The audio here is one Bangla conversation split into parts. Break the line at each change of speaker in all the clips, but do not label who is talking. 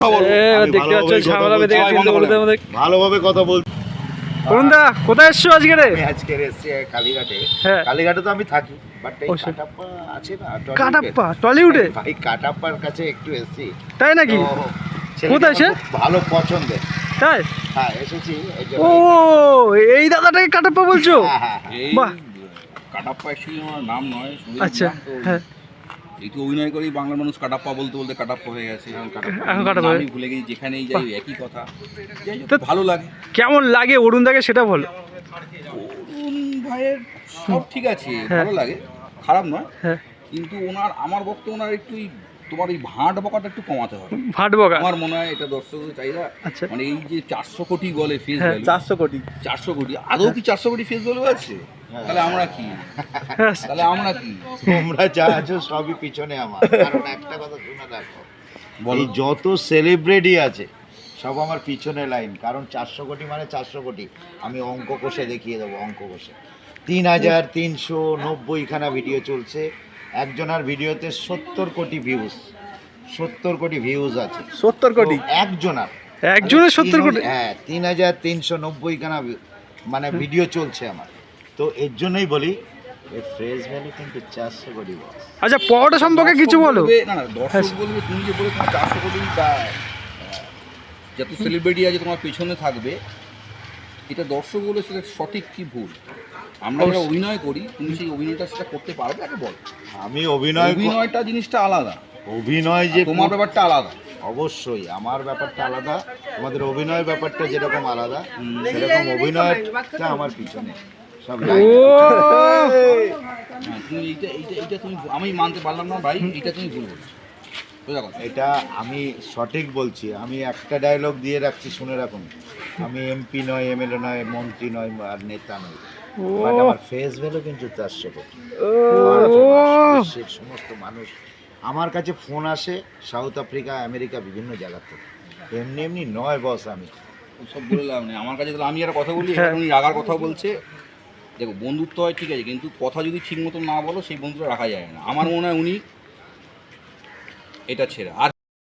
দেখতে পাচ্ছ ঝামেলা বেঁধে গেছে কিন্তু ওদের মধ্যে
ভালোভাবে কথা বল।
অরুণদা কোথায় এসছো আজকে রে?
আজকে এসেছি কালীঘাটে।
হ্যাঁ
কালীঘাটে তো আমি থাকি, বাট এই কাটাপ্পা আছে না,
কাটাপ্পা টলিউডে
ভাই কাটাপ্পার কাছে একটু এসেছি।
তাই নাকি? কোথায় সে?
ভালো পছন্দের।
তাই?
হ্যাঁ এসেছি।
ও এই দাদাটাকে কাটাপ্পা বলছো? বাহ,
কাটাপ্পা অ্যাকচুয়ালি আমার নাম নয়।
আচ্ছা হ্যাঁ,
এই তো অভিনয় করেই বাংলার মানুষ কাটাপ্পা বলতে বলতে কাটাপ্পা হয়ে গেছে।
এখন কাটাপ্পা
আমি ভুলে গেছি, যেখানেই যাই একই কথা। ভালো লাগে।
কেমন লাগে অরুণদাকে সেটা বলো।
অরুণ ভাইয়ের সব ঠিক আছে, ভালো লাগে, খারাপ নয়।
হ্যাঁ
কিন্তু আমার বক্তব্য ওনার একটু তোমার এই ভাঁট বকাটা একটু কমাতে হবে।
ভাট বকা
আমার মনে হয় এটা দর্শকদের চাহিদা।
আচ্ছা
মানে এই যে 400 কোটি বলে ফেস ভ্যালু,
400 কোটি
400 কোটি আদৌ কি 400 কোটি ফেস ভ্যালু আছে? তাহলে আমরা কি?
তোমরা যা আছো সবই পিছনে আমার। কারণ একটা কথা শুনে দেখো, এই যত সেলিব্রিটি আছে সব আমার পিছনে লাইন। কারণ 400 কোটি মানে 400 কোটি। আমি অঙ্ক কষে দেখিয়ে দেবো, অঙ্ক কষে 3390 খানা ভিডিও চলছে। একজনের ভিডিওতে 70 কোটি ভিউজ, 70 কোটি ভিউজ আছে।
70 কোটি একজনের 70 কোটি?
হ্যাঁ 3390 খানা মানে ভিডিও চলছে আমার। তো এর জন্যই বলি এই ফ্রেশ ভ্যালু কিন্তু 400 কোটি বস।
আচ্ছা পরোটা সম্পর্কে কিছু বলো।
না না, দর্শক বলবে তুমি যে বলে তোমার 400 কোটি যত সেলিব্রিটি আছে তোমার পেছনে থাকবে, এটা দর্শক বলে সেটা সঠিক কি ভুল? আমরা যারা অভিনয় করি, তুমি সেই অভিনয়টা সেটা করতে পারবে আগে বল।
আমি অভিনয়টা
জিনিসটা আলাদা,
অভিনয় যে
তোমার ব্যাপারটা আলাদা।
অবশ্যই আমার ব্যাপারটা আলাদা, তোমাদের অভিনয় ব্যাপারটা যেরকম আলাদা সেরকম অভিনয়টা আমার পিছনে সব
তুমি এইটা তুমি আমি মানতে পারলাম না ভাই, এটা তুমি ভুল বলছো।
এটা আমি সঠিক বলছি। আমি একটা ডায়লগ দিয়ে রাখছি, শুনে রাখুন। আমি এমপি নয়, এমএলএ নয়, মন্ত্রী নয়, আর নেতা নয়, বাট আমার ফেস ভ্যালু কিন্তু 400 কোটি। বিশ্বের সমস্ত মানুষ আমার কাছে ফোন আসে, সাউথ আফ্রিকা, আমেরিকা, বিভিন্ন জায়গা থেকে। এমনি এমনি নয় বস, আমি
সব বলে লাভ নেই আমার কাছে। আমি একটা কথা বলি, উনি রাগার কথা বলছে। দেখো বন্ধুত্ব হয় ঠিক আছে, কিন্তু কথা যদি ঠিক মতো না বলো সেই বন্ধুটা রাখা যায় না। আমার মনে হয় উনি এটা ছেড়ে আর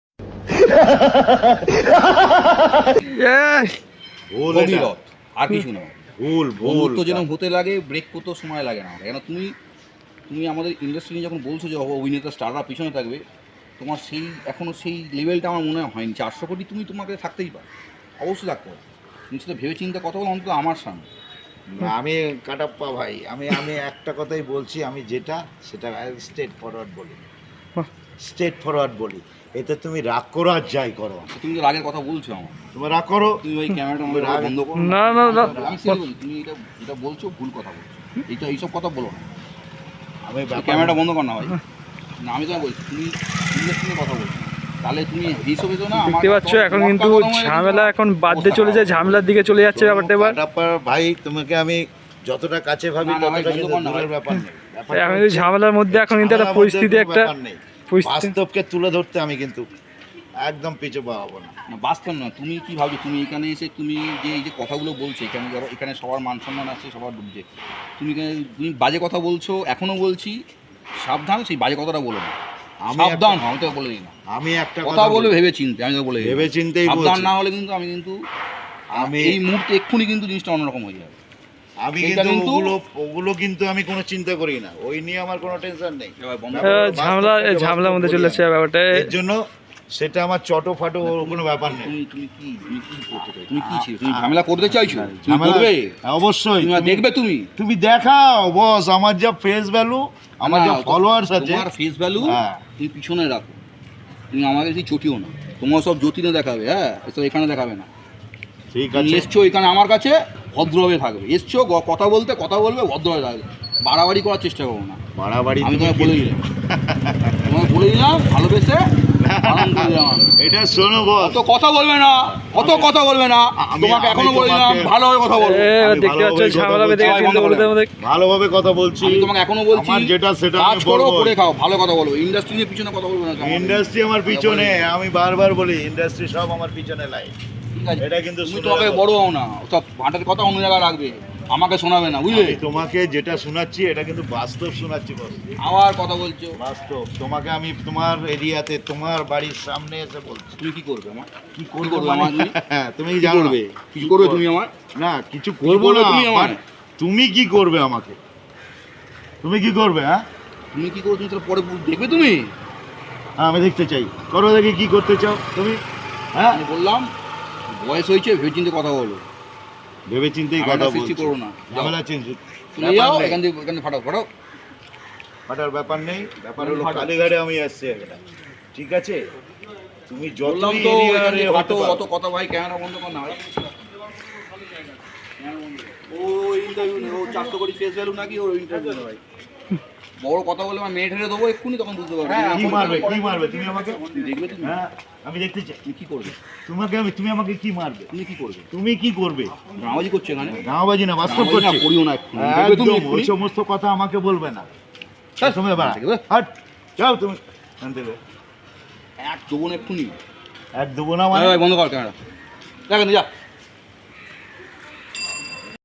আর কিছু না। বন্ধুত্ব যেন হতে লাগে, ব্রেক করতেও সময় লাগে না। কেন তুমি আমাদের ইন্ডাস্ট্রি নিয়ে যখন বলছো যে অভিনেতা স্টাররা পিছনে থাকবে, তোমার সেই এখনও সেই লেভেলটা আমার মনে হয়নি। 400 কোটি তোমাকে থাকতেই পারে, অবশ্যই থাকতে পারে। তুমি সেটা ভেবে চিন্তা কথা বলো অন্তত আমার সামনে।
আমি কাটাপ্পা ভাই, আমি একটা কথাই বলছি, আমি যেটা সেটা স্ট্রেট ফরওয়ার্ড বলি, স্ট্রেট ফরওয়ার্ড বলি। এতে তুমি রাগ করো আর যাই করো।
তুমি তো রাগের কথা বলছো, আমার
তুমি রাগ করো,
তুমি ওই ক্যামেরাটা আমাদের বন্ধ করো।
না না না,
আমি সেটা বলি, তুমি এটা বলছো ভুল কথা বলছো। এইসব কথা বলো না।
আমি
ক্যামেরাটা বন্ধ কর না ভাই। না আমি তোমায় বলছি, তুমি ইন্ডাস্ট্রি কথা বলছো, তাহলে তুমি হিসেবে তো না।
দেখতে পাচ্ছ এখন কিন্তু ঝামেলা এখন বাদে চলে যায়, ঝামেলার দিকে চলে যাচ্ছে ব্যাপারটা। এবার
ভাই তোমাকে আমি যতটা কাছে ভাবি ততটা কিন্তু দূরের ব্যাপার নেই।
আমি ঝামেলার মধ্যে এখন কিন্তু একটা পরিস্থিতি, একটা
বাস্তবকে তুলে ধরতে আমি কিন্তু একদম পিছু পাবো না।
বাস্তব না, তুমি কি ভাবছো? তুমি এখানে এসে তুমি যে এই যে কথাগুলো বলছো, এখানে ধরো এখানে সবার মান সম্মান আছে, সবার ডুবছে। তুমি বাজে কথা বলছো, এখনও বলছি সাবধান, সেই বাজে কথাটা বলো না। সাবধান হও, আমি তো বলে দিই না।
আমি একটা
কথা বলবে ভেবে চিনতে, আমি তো বলে দিই
ভেবে চিনতেই
সাবধান না হলে কিন্তু আমি এই মুহূর্তে এক্ষুনি কিন্তু জিনিসটা অন্যরকম হয়ে যাবে।
আমি কিন্তু ওগুলো কিন্তু আমি কোনো চিন্তা করি না, ওই নিয়ে আমার কোনো টেনশন নেই।
ঝামেলার মধ্যে চলে যাচ্ছে ব্যাপারটা।
এর জন্য সেটা আমার চটো ফাটো কোনো ব্যাপার নেই।
তুমি কি করতে চাইছো? তুমি কি ছিল? তুমি ঝামেলা করতে চাইছো? তুমি করবে
অবশ্যই,
দেখবে। তুমি
দেখাও বস, আমার যা ফেস ভ্যালু, আমার যা ফলোয়ার্স আছে,
তোমার ফেস ভ্যালু তুমি পিছনে রাখো। তুমি আমাকে সেই চটিও না, তোমার সব যতীনে দেখাবে। হ্যাঁ, এসব এখানে দেখাবে না।
ঠিক আছে,
এসছো এখানে আমার কাছে ভদ্রভাবে থাকবে। এসছো কথা বলবে ভদ্রভাবে থাকবে। বাড়াবাড়ি করার চেষ্টা করবো না।
বাড়াবাড়ি
আমি তোমাকে বলে দিলাম ভালোবেসে।
এটা শোনো বস,
অত কথা বলবে না, তোমাকে এখনো বলে দিলাম ভালোভাবে কথা বলবে।
দেখতে পাচ্ছ ঝামেলা বেঁধে গেছে কিন্তু ওদের মধ্যে
ভালোভাবে কথা বলছি।
আমি তোমাকে এখনো বলছি
যেটা সেটা
কাজ করো, করে খাও, ভালো কথা বলবো। ইন্ডাস্ট্রি নিয়ে পিছনে কথা বলবে না।
ইন্ডাস্ট্রি আমার পিছনে, আমি বারবার বলি ইন্ডাস্ট্রি সব আমার পিছনে লাই।
ঠিক আছে,
এটা কিন্তু
তুমি তোমাকে বড় হও না, সব ভাটের কথা অন্য জায়গায় রাখবে। আমাকে শোনাবে না বুঝলে?
আমি তোমাকে যেটা শোনাচ্ছি এটা কিন্তু বাস্তব শোনাচ্ছি বস।
আবার কথা বলছো।
বাস্তব তোমাকে আমি তোমার এরিয়াতে তোমার বাড়ির সামনে এসে বলছি।
তুমি কি করবে আমার?
কি
করবে
করবে
আমার তুমি?
তুমি
কি
জানো
করবে?
না।
কিছু করবে তুমি আমার?
না কিছু করবো
করবে
না
তুমি আমার?
তুমি কি করবে আমাকে? তুমি কি করবে? হ্যাঁ
তুমি কি করবে? তুমি তাহলে পরে দেখবে তুমি।
আমি দেখতে চাই, করো দেখি কি করতে চাও তুমি। হ্যাঁ
আমি বললাম বয়স হয়েছে, ভেবে চিন্তে কথা বলো।
ভেবে চিন্তেই কথা
ঝামেলা
বলছি।
সৃষ্টি করো না।
ঝামেলা চিন্তা
চলে যাও এখান থেকে, এখান থেকে ফাটাও ফাটাও।
ফাটার ব্যাপার নেই, ব্যাপার হলো কালীঘাটে আমি আসছি একটা, ঠিক আছে? তুমি
বললাম
যতই
তো এখান
এরিয়ারে
থেকে
হতে
ফাটো,
পারো।
অত কথা ভাই, ক্যামেরা বন্ধ কর না। ও ইন্টারভিউ নেই, ও 400 কোটি ফেস ভ্যালু নাকি ওর ইন্টারভিউ নেই ভাই। বড় কথা বলে আমার মেয়ে ঠেলে দেবো এক্ষুনি, তখন বুঝতে পারবে।
কি মারবে কি মারবে তুমি আমাকে?
তুমি দেখবে তুমি।
হ্যাঁ আমি দেখতে চাই
তুমি কি করবে?
তুমি আমাকে কি মারবে?
তুমি কি করবে?
তুমি কি করবে?
ড্রামাবাজি করছো এখানে।
গাঁওবাজি না বাস্তব
ড্রামাবাজি না
করছে।
করিও না এক্ষুনি। দেখবে তুমি
একদম
এক্ষুনি।
ওই সমস্ত কথা আমাকে বলবে না।
ছাড়,
তুমি এবার
ঠিক আছে?
হাট যাও তুমি এখান থেকে।
এক চোবন এক্ষুনি।
এক দেবো না মানে
ভাই বন্ধ কর ক্যামেরা। দেখেন যা।